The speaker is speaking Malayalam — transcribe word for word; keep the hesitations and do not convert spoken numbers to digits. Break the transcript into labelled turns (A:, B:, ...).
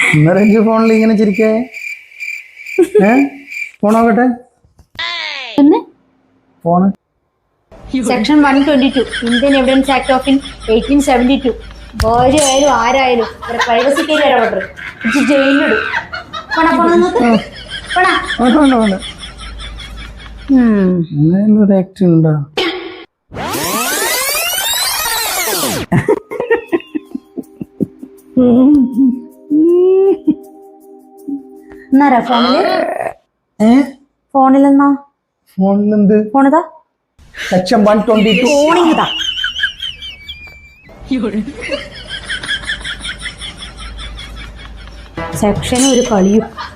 A: ഇന്നലെ ഫോണിൽ ഇങ്ങനെ ചിരിക്കേ ഏ ഫോൺ നോക്കട്ടെ phone
B: section one twenty two Indian Evidence Act of in eighteen seventy two ഭാര്യ ആയാലും ആരായാലും പ്രൈവസിക്ക് ഇടപെട്ടു ജയിലിലിടും.
A: അങ്ങനെയൊരു ആക്ട് ഉണ്ടോ?
B: എന്നാരാ ഫോണില്
A: ഏ
B: ഫോണിലെന്നാ
A: ഫോണിലെന്ത്
B: ഫോണിതാ
A: സെക്ഷൻ വൺ ട്വന്റി ടു
B: ഫോണിതാ സെക്ഷൻ ഒരു കളിയും